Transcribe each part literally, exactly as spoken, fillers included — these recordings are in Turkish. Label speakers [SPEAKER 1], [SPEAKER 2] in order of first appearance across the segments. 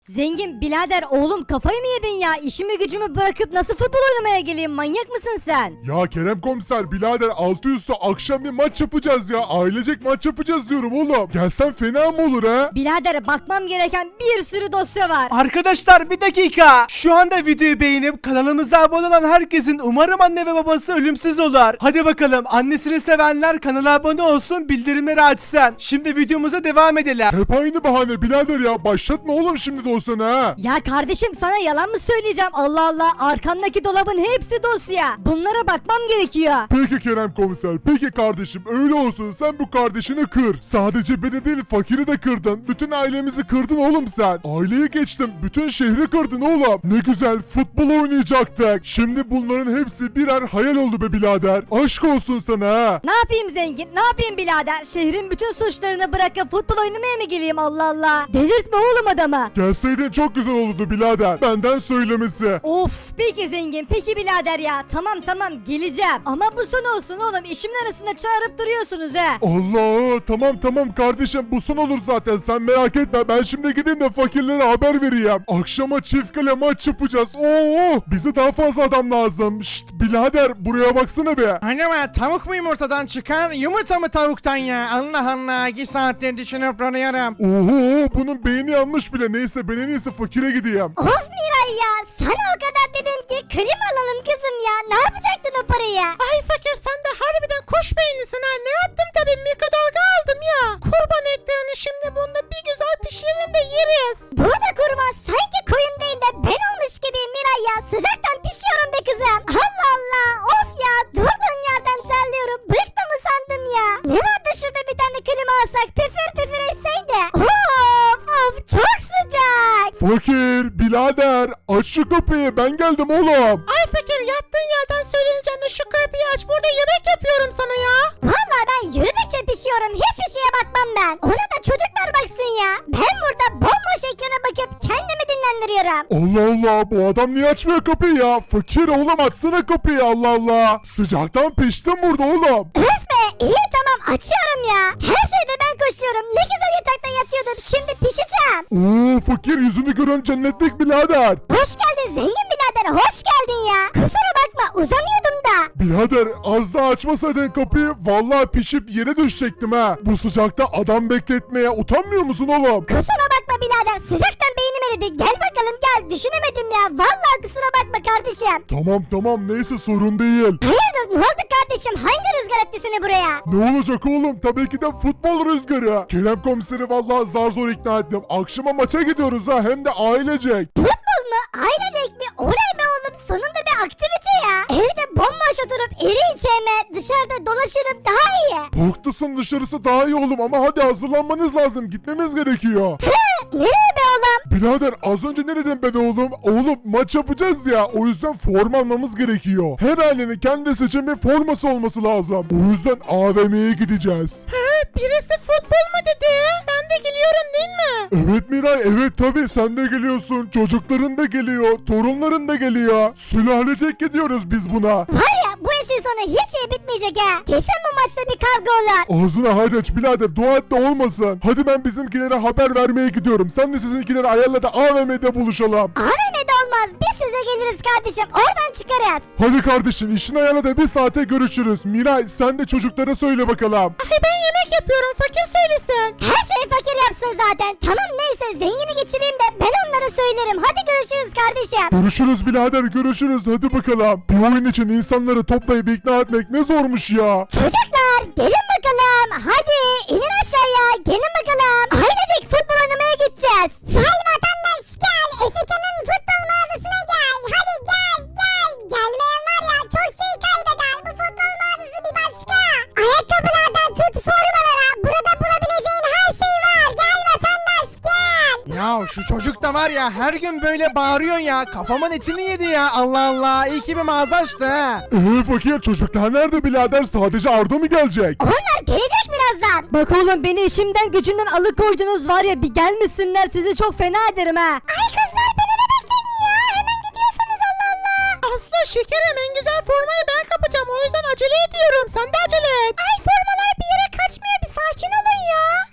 [SPEAKER 1] Zengin birader oğlum kafayı mı yedin ya? İşimi gücümü bırakıp nasıl futbol oynamaya geleyim? Manyak mısın sen?
[SPEAKER 2] Ya Kerem komiser birader altı üstü akşam bir maç yapacağız ya. Ailecek maç yapacağız diyorum oğlum. Gelsen fena mı olur ha?
[SPEAKER 1] Birader bakmam gereken bir sürü dosya var.
[SPEAKER 3] Arkadaşlar bir dakika. Şu anda videoyu beğenip kanalımıza abone olan herkesin umarım anne ve babası ölümsüz olur. Hadi bakalım annesini sevenler kanala abone olsun, bildirimleri açsın. Şimdi videomuza devam edelim.
[SPEAKER 2] Hep aynı bahane birader ya. Başlatma oğlum şimdi dosyanı ha.
[SPEAKER 1] Ya kardeşim sana yalan mı söyleyeceğim? Allah Allah, arkamdaki dolabın hepsi dosya. Bunlara bakmam gerekiyor.
[SPEAKER 2] Peki Kerem komiser. Peki kardeşim öyle olsun. Sen bu kardeşini kır. Sadece beni değil fakiri de kırdın. Bütün ailemizi kırdın oğlum sen. Aileyi geçtim. Bütün şehri kırdın oğlum. Ne güzel futbol oynayacaktık. Şimdi bunların hepsi birer hayal oldu be birader. Aşk olsun sana ha.
[SPEAKER 1] Ne yapayım zengin? Ne yapayım birader? Şehrin bütün suçlarını bırakıp futbol oynamaya mı geleyim Allah Allah? Delirtme oğlum adamı.
[SPEAKER 2] Gelseydin çok güzel olurdu birader. Benden söylemesi.
[SPEAKER 1] Of peki zengin, peki birader ya. Tamam tamam geleceğim. Ama bu son olsun oğlum. İşimin arasında çağırıp duruyorsunuz he.
[SPEAKER 2] Allah tamam tamam kardeşim bu son olur zaten sen merak etme ben şimdi gideyim de fakirlere haber vereyim. Akşama çift kale maç yapacağız. Oo bize daha fazla adam lazım. Şşt birader buraya baksana be.
[SPEAKER 4] Anne tavuk mu yumurtadan çıkar, yumurta mı tavuktan ya? Allah Allah, iki saattir düşünüp duruyorum.
[SPEAKER 2] Oho bunun beyni yanmış bile neyse ben en iyisi fakire gideyim.
[SPEAKER 1] Of Miray ya. Sana o kadar dedim ki klima alalım kızım ya. Ne yapacaktın o parayı?
[SPEAKER 4] Ay fakir, sen de harbiden kuş beynisin ha. Ne yaptım tabii, mikrodalga aldım ya. Kurban etlerini şimdi bunda bir güzel pişiririm de yeriz.
[SPEAKER 1] Burada kurban sanki koyun değil de ben olmuş gibi Miray ya. Sıcaktan pişiyorum be kızım. Allah Allah. Of ya. Durduğum yerden terliyorum. Bıktım mı sandım ya. Ne vardı şurada bir tane klima alsak püfür püfür etseydi. Of of çok sıcak.
[SPEAKER 2] Fakir birader aç şu kapıyı ben geldim oğlum.
[SPEAKER 4] Ay fakir, yattığın yerden söyleyeceğine şu kapıyı aç, burada yemek yapıyorum sana ya.
[SPEAKER 1] Vallahi ben yürüdükçe pişiyorum. Hiçbir şeye bakmam ben. Ona da çocuklar baksın ya. Ben burada bomboş ekrana bakıp kendimi dinlendiriyorum.
[SPEAKER 2] Allah Allah bu adam niye açmıyor kapıyı ya? Fakir oğlum açsana kapıyı Allah Allah. Sıcaktan piştim burada oğlum.
[SPEAKER 1] Öf be, iyi tamam açıyorum ya. Her şeyde ben koşuyorum. Ne güzel yatakta yatıyordum. Şimdi pişeceğim.
[SPEAKER 2] Oo fakir yüzünü gören cennetlik birader.
[SPEAKER 1] Hoş geldin zengin birader. Hoş geldin ya. Kusura bakma uzanıyordum da.
[SPEAKER 2] Birader az daha açmasaydın kapıyı vallahi pişip yere düşecektim ha. Bu sıcakta adam bekletmeye utanmıyor musun oğlum?
[SPEAKER 1] Kusura bakma birader. Sıcaktan beynim eridi. Gel bakalım gel. Düşünemedim ya. Vallahi kusura bakma kardeşim.
[SPEAKER 2] Tamam tamam neyse sorun değil.
[SPEAKER 1] Hayırdır ne oldu kardeşim? Hangi rüzgar etti seni buraya?
[SPEAKER 2] Ne olacak oğlum tabii ki de futbol rüzgarı. Kerem komiseri vallahi zar zor ikna ettim. Akşama maça gidiyoruz ha hem de ailecek.
[SPEAKER 1] Futbol mu? Ailecek mi? Olay be oğlum. Sonunda bir aktivite ya. Evde bomboş oturup iri içeme dışarıda dolaşırım daha iyi.
[SPEAKER 2] Haklısın dışarısı daha iyi oğlum ama hadi hazırlanmanız lazım gitmemiz gerekiyor.
[SPEAKER 1] Hı, nereye be oğlum?
[SPEAKER 2] Birader az önce ne dedim ben oğlum? Oğlum maç yapacağız ya o yüzden forma almamız gerekiyor. Her ailenin kendi seçim bir forması olması lazım. O yüzden A V M'ye gideceğiz.
[SPEAKER 4] Birisi futbol mu dedi? Ben de geliyorum değil mi?
[SPEAKER 2] Evet Miray evet tabi sen de geliyorsun. Çocukların da geliyor. Torunların da geliyor. Sülalecek gidiyoruz biz buna.
[SPEAKER 1] Var ya bu işin sonu hiç iyi bitmeyecek ha. Kesin bu maçta bir kavga olur.
[SPEAKER 2] Ağzına hayır aç birader dua et de olmasın. Hadi ben bizimkilere haber vermeye gidiyorum. Sen de sizinkileri ayarla da A V M'de buluşalım.
[SPEAKER 1] A V M'de olmaz. Biz size geliriz kardeşim. Oradan çıkarız.
[SPEAKER 2] Hadi kardeşim işini ayarla da bir saate görüşürüz. Miray sen de çocuklara söyle bakalım.
[SPEAKER 4] Ay ben yemek yapıyorum, fakir söylesin.
[SPEAKER 1] Her şeyi fakir yapsın zaten. Tamam neyse zengini geçireyim de ben onlara söylerim. Hadi görüşürüz kardeşim.
[SPEAKER 2] Görüşürüz birader görüşürüz hadi bakalım. Bir oyun için insanları toplayıp ikna etmek ne zormuş ya.
[SPEAKER 1] Çocuklar gelin bakalım. Hadi inin aşağıya. Gelin bakalım. Ailecek futbol oynamaya gideceğiz. Gel vatandaş gel. Efekan'ın futbol mağazasına gel. Hadi gel gel. Gelmeyen var ya çok şey kaybeder. Bu futbol mağazası bir başka. Ayakkabılardan tut formalara. Burada bulabileceğin her şey var. Gel vatandaş gel.
[SPEAKER 4] Ya şu çocuk da var ya, her gün böyle bağırıyor ya. Kafamın etini yedi ya. Allah Allah, iyi ki bir mağaza açtı ha.
[SPEAKER 2] Eee fakir çocuklar nerede birader sadece Arda mı gelecek?
[SPEAKER 1] Onlar gelecek birazdan. Bak oğlum beni işimden gücümden alıkoydunuz var ya bir gelmesinler sizi çok fena ederim ha. Ay kızlar beni de bekleyin ya hemen gidiyorsunuz Allah Allah.
[SPEAKER 4] Aslı şekerim, en güzel formayı ben kapacağım. O yüzden acele ediyorum. Sen de acele et.
[SPEAKER 1] Ay formalar bir yere kaçmıyor bir sakin olun ya.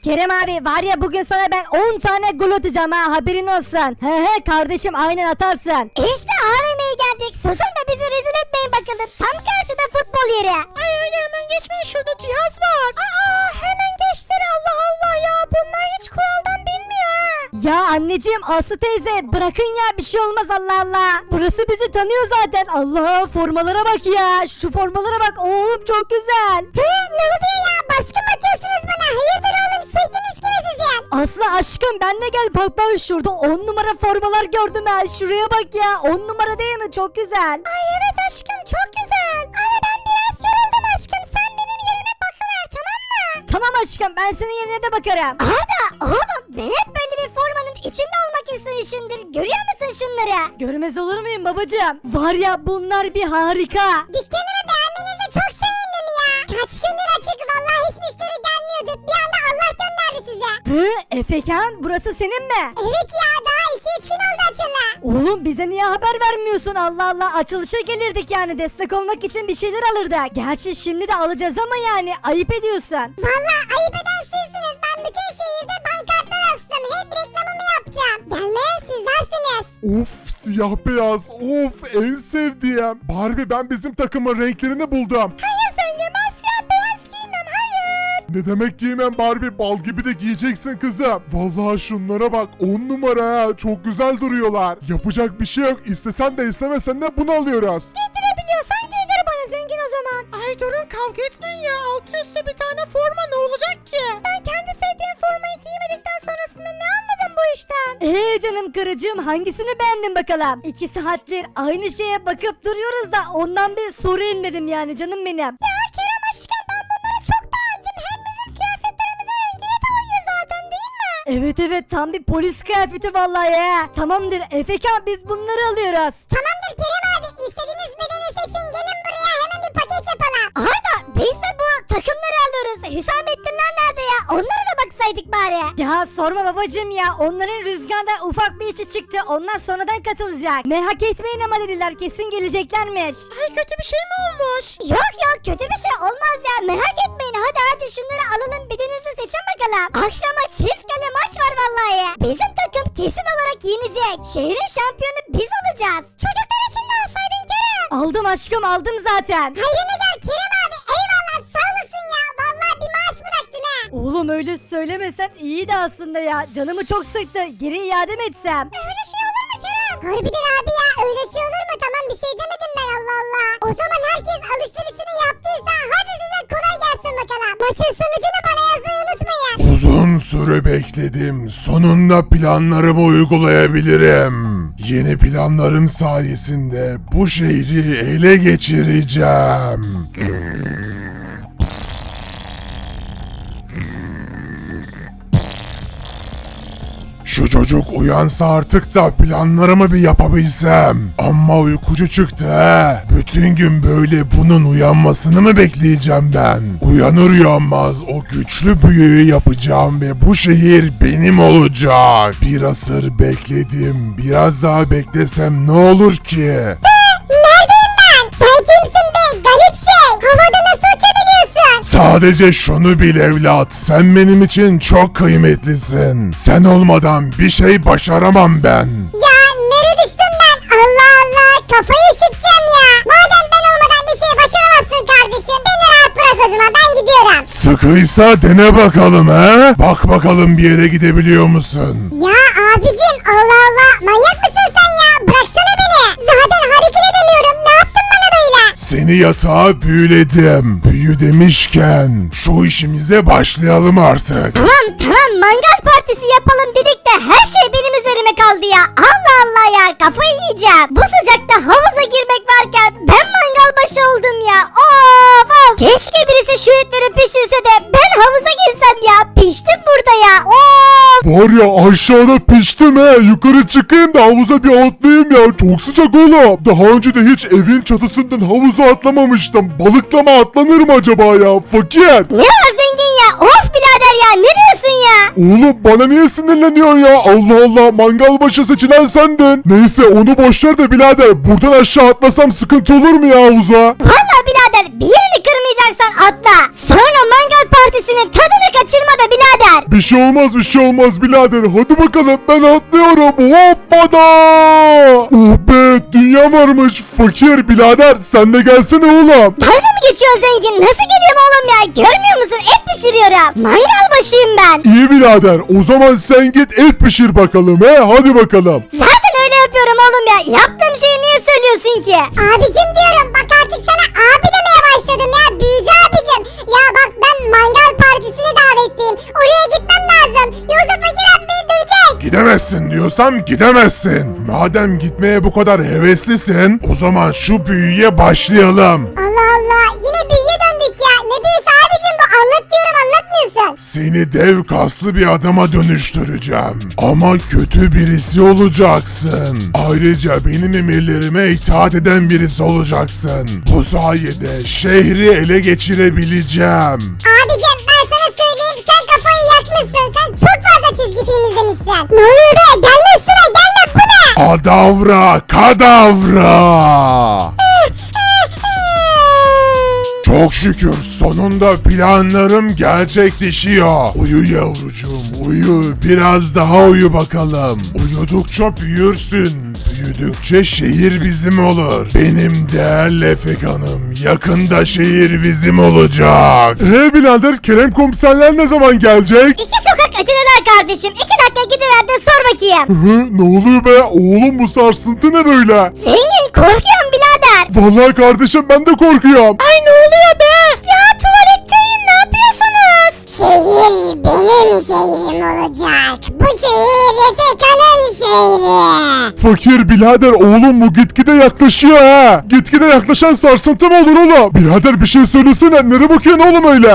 [SPEAKER 1] Kerem abi var ya bugün sana ben on tane gol atacağım ha haberin olsun. He he kardeşim aynen atarsın. İşte A V M'ye geldik. Susun da bizi rezil etmeyin bakalım. Tam karşıda futbol yeri.
[SPEAKER 4] Ay öyle hemen geçmeyin, şurada cihaz var.
[SPEAKER 1] Aa hemen geçtin Allah Allah ya. Bunlar hiç kuraldan bilmiyor ha. Ya anneciğim Aslı teyze bırakın ya bir şey olmaz Allah Allah. Burası bizi tanıyor zaten. Allah formalara bak ya. Şu formalara bak oğlum çok güzel. He ne oluyor ya baskı mı atıyorsunuz bana? Hayırdır oğlum şekliniz gibi sizin? Aslı aşkım ben de gel bak ben şurada on numara formalar gördüm ha. Şuraya bak ya on numara değil mi? Çok güzel. Ay evet aşkım çok güzel. Ama ben biraz yoruldum aşkım. Sen benim yerime bakıver tamam mı? Tamam aşkım ben senin yerine de bakarım. Arda oğlum ben hep böyle bir formanın içinde olmak istemişimdir. Görüyor musun şunları? Görmez olur muyum babacığım? Var ya bunlar bir harika. Dükkanımı beğenmenize çok sevindim ya. Kaç gündür açık vallahi hiç müşteri gelmiyordu. Bir anda Allah gönderdi size. Hı Efekan burası senin mi? Evet ya daha iki üç gün oldu açılı. Oğlum bize niye haber vermiyorsun Allah Allah açılışa gelirdik yani destek olmak için bir şeyler alırdık. Gerçi şimdi de alacağız ama yani ayıp ediyorsun. Vallahi ayıp eden sizsiniz. Ben bütün şehirde pankartlar astım. Hep reklamımı yaptım. Gelmeyen sizlersiniz.
[SPEAKER 2] Of siyah beyaz of en sevdiğim. Barbie ben bizim takımın renklerini buldum.
[SPEAKER 1] Hayır zengin ben siyah beyaz giymem hayır.
[SPEAKER 2] Ne demek giymem Barbie bal gibi de giyeceksin kızım. Vallahi şunlara bak on numara ha çok güzel duruyorlar. Yapacak bir şey yok istesen de istemesen de bunu alıyoruz.
[SPEAKER 1] Giydirebiliyorsan giydir bana zengin o zaman.
[SPEAKER 4] Ay durun kavga etmeyin ya, altı üstü bir tane forma ne olacak ki?
[SPEAKER 1] Ben kendi sevdiğim formayı giymedikten sonrasında ne anladım bu işten? Eee canım karıcığım hangisini beğendin bakalım? İki saattir aynı şeye bakıp duruyoruz da ondan bir sorayım dedim yani canım benim. Ya Kerem aşkım ben bunları çok beğendim. Hem bizim kıyafetlerimize rengiye de uyuyor zaten değil mi? Evet evet tam bir polis kıyafeti vallahi ya. Tamamdır Efekan biz bunları alıyoruz. Tamamdır Kerem abi istediğiniz bedeni seçin gelin buraya hemen bir paket yapalım. Arda biz de bu takımları alıyoruz. Hüsamettinler nerede ya? Onlara da baksaydık bari. Ya sorma babacım ya. Onların rüzgarda ufak bir işi çıktı. Onlar sonradan katılacak. Merak etmeyin ama dediler kesin geleceklermiş.
[SPEAKER 4] Ay kötü bir şey mi olmuş?
[SPEAKER 1] Yok yok kötü bir şey olmaz ya. Merak etmeyin. Hadi hadi şunları alalım. Birinizde seçin bakalım. Akşama çift kale maç var vallahi. Bizim takım kesin olarak yenecek. Şehrin şampiyonu biz olacağız. Çocuklar için de alsaydın Kerem. Aldım aşkım aldım zaten. Hayrını gör Kerem abi. Eyvallah sağ olasın ya. Vallahi bir maaş bıraktın ha. Oğlum öyle söylemesen iyiydi aslında ya. Canımı çok sıktı. Geri iade mi etsem? Öyle şey olur mu Kerem? Harbiden abi ya. Öyle şey olur mu? Tamam bir şey demedim ben Allah Allah. O zaman herkes alışverişini yaptıysa hadi size kolay gelsin bakalım. Maçın sonucunu bana yazmayı unutmayın.
[SPEAKER 2] Uzun süre bekledim. Sonunda planlarımı uygulayabilirim. Yeni planlarım sayesinde bu şehri ele geçireceğim. Şu çocuk uyansa artık da planlarımı bir yapabilsem. Ama uykucu çıktı he. Bütün gün böyle bunun uyanmasını mı bekleyeceğim ben? Uyanır uyanmaz o güçlü büyüyü yapacağım ve bu şehir benim olacak. Bir asır bekledim. Biraz daha beklesem ne olur ki?
[SPEAKER 1] Neredeyim ben? Sen kimsin be? Garip şey. Havada nasıl uçabiliyorsun?
[SPEAKER 2] Sadece şunu bil evlat, sen benim için çok kıymetlisin. Sen olmadan bir şey başaramam ben.
[SPEAKER 1] Ya nereye düştüm ben? Allah Allah kafayı üşüteceğim ya. Madem ben olmadan bir şey başaramazsın kardeşim. Beni rahat bırak o zaman ben gidiyorum.
[SPEAKER 2] Sıkıysa dene bakalım he. Bak bakalım bir yere gidebiliyor musun?
[SPEAKER 1] Ya abicim Allah Allah manyak mısın sen ya? Bıraksana beni. Zaten hareket edemiyorum. Ne yaptın bana böyle?
[SPEAKER 2] Seni yatağa büyüledim. Büyü demişken şu işimize başlayalım artık.
[SPEAKER 1] Tamam tamam mangal partisi yapalım dedik de her şey benim üzerime kaldı ya. Allah Allah ya kafayı yiyeceğim. Bu sıcakta havuza girmek varken ben mangal başı oldum ya. Of of. Keşke birisi şu etleri pişirse de ben havuza girsem ya. Piştim burada ya. Of.
[SPEAKER 2] Var ya aşağıda piştim he. Yukarı çıkayım da havuza bir atlayayım ya. Çok sıcak oğlum. Daha önce de hiç evin çatısından havuza atlamamıştım. Balıkla mı atlanır mı acaba ya? Fakir.
[SPEAKER 1] Ne var zengin ya? Of birader ya ne diyorsun ya?
[SPEAKER 2] Oğlum bana niye sinirleniyorsun ya? Allah Allah mangal başı seçilen sendin. Neyse onu boşver de birader. Buradan aşağı atlasam sıkıntı olur mu ya havuza?
[SPEAKER 1] Valla birader bir yerini kırmayacaksan atla. Sonra mangal partisi partisinin tadını kaçırma da birader.
[SPEAKER 2] Bir şey olmaz bir şey olmaz birader. Hadi bakalım ben atlıyorum. Hoppada. Oh be dünya varmış. Fakir birader sen de gelsene oğlum.
[SPEAKER 1] Dalga mı geçiyorsun zengin? Nasıl geliyorum oğlum ya? Görmüyor musun? Et pişiriyorum. Mangal başıyım ben.
[SPEAKER 2] İyi birader o zaman sen git et pişir bakalım he hadi bakalım.
[SPEAKER 1] Zaten öyle yapıyorum oğlum ya. Yaptığım şeyi niye söylüyorsun ki? Abicim diyorum. Bak artık sana abi demeye başladım ya. Büyücü abicim. Ya bak ben mangal partisine davetliyim. Oraya gitmem lazım. Yoksa fakir abi beni dövecek.
[SPEAKER 2] Gidemezsin diyorsam gidemezsin. Madem gitmeye bu kadar heveslisin o zaman şu büyüye başlayalım.
[SPEAKER 1] Allah Allah. Yine büyüye döndük ya. Ne büyüsü abicim bu? Anlat diyorum anlatmıyorsun.
[SPEAKER 2] Seni dev kaslı bir adama dönüştüreceğim. Ama kötü birisi olacaksın. Ayrıca benim emirlerime itaat eden birisi olacaksın. Bu sayede şehri ele geçirebileceğim.
[SPEAKER 1] Abicim ben sana söyleyeyim sen kafayı yakmışsın. Sen çok fazla çizgi film izlemişsin. Ne oluyor be? Gelme üstüne gelme bu ne?
[SPEAKER 2] Adavra kadavra. Çok şükür sonunda planlarım gerçekleşiyor. Uyu yavrucuğum uyu biraz daha uyu bakalım. Uyudukça büyürsün. Büyüdükçe şehir bizim olur. Benim değerli Efekan'ım yakında şehir bizim olacak. He birader Kerem komiserler ne zaman gelecek?
[SPEAKER 1] İki sokak ötedeler kardeşim. İki dakika gidiver de sor bakayım.
[SPEAKER 2] Hı, ne oluyor be oğlum bu sarsıntı ne böyle?
[SPEAKER 1] Zengin korkuyorum birader.
[SPEAKER 2] Vallahi kardeşim ben de korkuyorum.
[SPEAKER 1] Ay ne oluyor be? Ya tuvaletteyim ne yapıyorsunuz? Şehir benim şehrim olacak. Bu şehir Efekan'ın şehri.
[SPEAKER 2] Fakir birader oğlum bu gitgide yaklaşıyor ha. Gitgide yaklaşan sarsıntı mı olur oğlum? Birader bir şey söylesene nereye bakıyorsun oğlum öyle?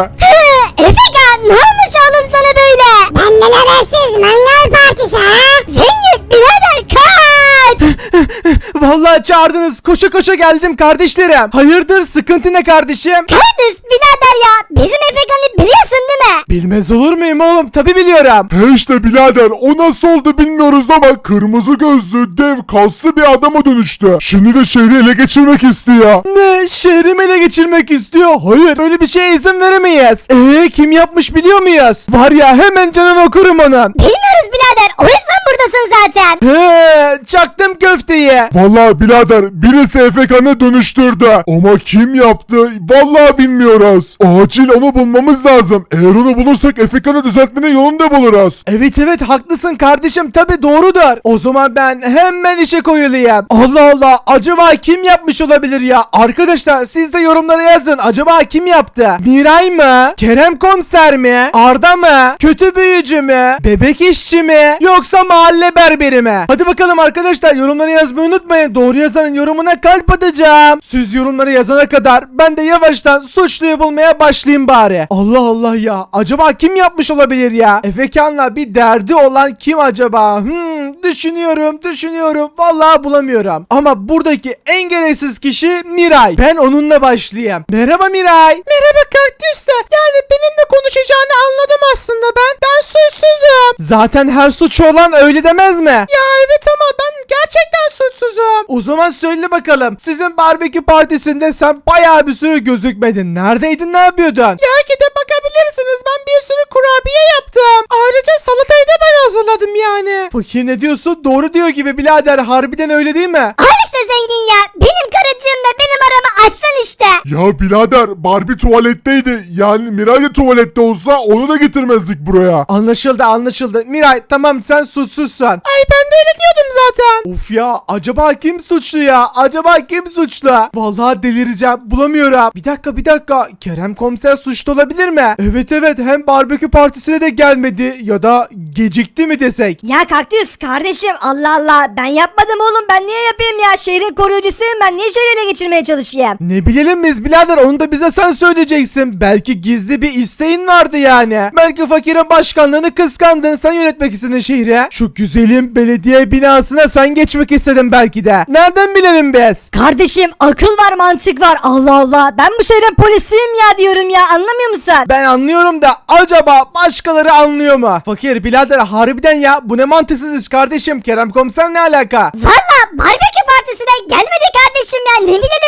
[SPEAKER 1] Efekan ne olmuş oğlum sana böyle? Benden habersiz mangal partisi ha? Zengin birader kaç.
[SPEAKER 3] Vallahi çağırdınız. Koşa koşa geldim kardeşlerim. Hayırdır sıkıntı ne kardeşim?
[SPEAKER 1] Kardeş birader ya bizim Efekan'ı biliyorsun değil mi?
[SPEAKER 3] Bilmez olur muyum oğlum? Tabi biliyorum.
[SPEAKER 2] He işte birader o nasıl oldu bilmiyoruz ama kırmızı gözlü dev kaslı bir adama dönüştü. Şimdi de şehri ele geçirmek istiyor.
[SPEAKER 3] Ne? Şehrimi ele geçirmek istiyor. Hayır böyle bir şeye izin veremeyiz. Eee kim yapmış biliyor muyuz? Var ya hemen canını okurum onun.
[SPEAKER 1] Bilmiyoruz birader o yüzden buradasın zaten.
[SPEAKER 3] He, çaktım köfteyi.
[SPEAKER 2] Vallahi birader birisi Efekan'ı dönüştürdü. Ama kim yaptı vallahi bilmiyoruz. Acil onu bulmamız lazım. Eğer onu bulursak Efekan'ı düzeltmenin yolunu da buluruz.
[SPEAKER 3] Evet evet haklısın kardeşim tabi doğrudur. O zaman ben hemen işe koyulayım. Allah Allah acaba kim yapmış olabilir ya? Arkadaşlar siz de yorumlara yazın. Acaba kim yaptı? Miray mı? Kerem komiser mi? Arda mı? Kötü büyücü mü? Bebek işçi mi? Yoksa mahalle berberi mi? Hadi bakalım arkadaşlar yorumlara yazmayı unutmayın. Doğru yazanın yorumuna kalp atacağım. Siz yorumlara yazana kadar ben de yavaştan suçluyu bulmaya başlayayım bari. Allah Allah ya. Acaba kim yapmış olabilir ya? Efekan'la bir derdi olan kim acaba? Hmm, düşünüyorum, düşünüyorum. Vallahi bulamıyorum. Ama buradaki en gereksiz kişi Miray. Ben onunla başlayayım. Merhaba Miray. Merhaba Kaktüs'te. Yani benimle konuşacağını anladım aslında ben. Ben suçsuzum. Zaten her suç olan öyle demez mi? Ya evet ama ben gerçekten suçsuzum. O zaman söyle bakalım. Sizin barbekü partisinde sen bayağı bir süre gözükmedin. Neredeydin, ne yapıyordun? Ya gidip bakabilirsiniz. Ben bir sürü kurabiye yaptım. Ayrıca salatayı da ben hazırladım yani. Fakir ne diyorsun? Doğru diyor gibi birader. Harbiden öyle değil mi?
[SPEAKER 1] Al işte zengin ya. Benim karıcığım da benim aramı açtın işte.
[SPEAKER 2] Ya birader Barbie tuvaletteydi. Yani Miray da tuvalette olsa onu da getirmezdik buraya.
[SPEAKER 3] Anlaşıldı anlaşıldı. Miray tamam sen suçsuzsun. Ay ben de öyle diyordum zaten. Of ya acaba kim suçlu ya? Acaba kim suçlu? Vallahi delireceğim bulamıyorum. Bir dakika bir dakika. Kerem komiser suçlu olabilir mi? Evet evet hem barbekü partisine de gelmedi ya da gecikti mi desek?
[SPEAKER 1] Ya Kaktüs kardeşim Allah Allah ben yapmadım oğlum ben niye yapayım ya şehrin koruyucusuyum ben niye şehri ele geçirmeye çalışayım?
[SPEAKER 3] Ne bilelim biz birader onu da bize sen söyleyeceksin. Belki gizli bir isteğin vardı yani. Belki fakirin başkanlığını kıskandın sen yönetmek istedin şehri. Şu güzelim belediye binasına sen geçmek istedin belki de. Nereden bilelim biz?
[SPEAKER 1] Kardeşim akıl var mantık var Allah Allah ben bu şehrin polisiyim ya diyorum ya anlamıyor musun?
[SPEAKER 3] Ben anlıyorum da acaba başkaları anlıyor mu? Fakir birader harbiden ya bu ne mantıksız iş kardeşim. Kerem komiser ne alaka?
[SPEAKER 1] Valla barbekü partisine gelmedi kardeşim ya ne bilelim biz biz de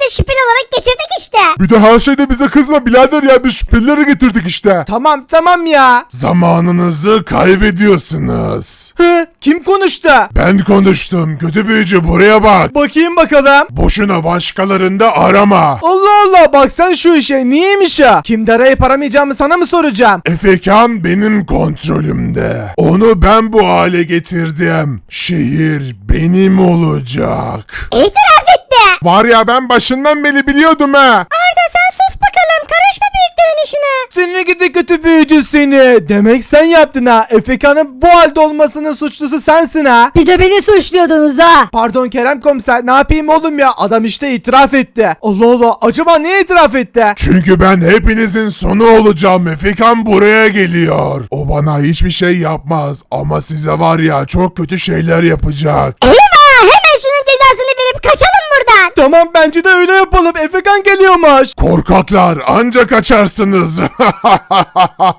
[SPEAKER 1] de şüpheli olarak getirdik işte.
[SPEAKER 2] Bir de her şeyde bize kızma birader ya, biz şüphelileri getirdik işte.
[SPEAKER 3] Tamam tamam ya.
[SPEAKER 2] Zamanınızı kaybediyorsunuz.
[SPEAKER 3] Hı, kim konuştu?
[SPEAKER 2] Ben konuştum, kötü büyücü buraya bak.
[SPEAKER 3] Bakayım bakalım.
[SPEAKER 2] Boşuna başkalarında arama.
[SPEAKER 3] Allah Allah, bak sen şu işe, niyeymiş ya? Kimde arayıp aramayacağımı sana mı soracağım?
[SPEAKER 2] Efekan benim kontrolümde. Onu ben bu hale getirdim. Şehir benim olacak.
[SPEAKER 1] İtiraf etti.
[SPEAKER 2] Var ya, ben başından beri biliyordum ha.
[SPEAKER 1] Arda sen sus bakalım. Karışma büyüklerin işine.
[SPEAKER 3] Seni gidi kötü büyücü seni. Demek sen yaptın ha. Efekan'ın bu halde olmasının suçlusu sensin ha.
[SPEAKER 1] Bir de beni suçluyordunuz ha.
[SPEAKER 3] Pardon Kerem komiser, ne yapayım oğlum ya? Adam işte itiraf etti. Allah Allah, acaba niye itiraf etti?
[SPEAKER 2] Çünkü ben hepinizin sonu olacağım. Efekan buraya geliyor. O bana hiçbir şey yapmaz ama size var ya çok kötü şeyler yapacak.
[SPEAKER 1] Eyvah, hemen şunun cezasını verip kaçalım buradan.
[SPEAKER 3] Tamam, bence de öyle yapalım. Efekan geliyormuş.
[SPEAKER 2] Korkaklar anca kaçarsınız.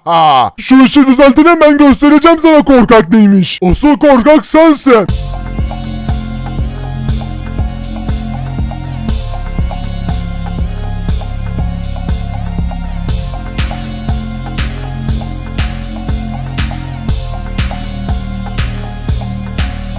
[SPEAKER 2] Şu işi düzeltin, ben göstereceğim sana korkak neymiş. Asıl korkak sensin.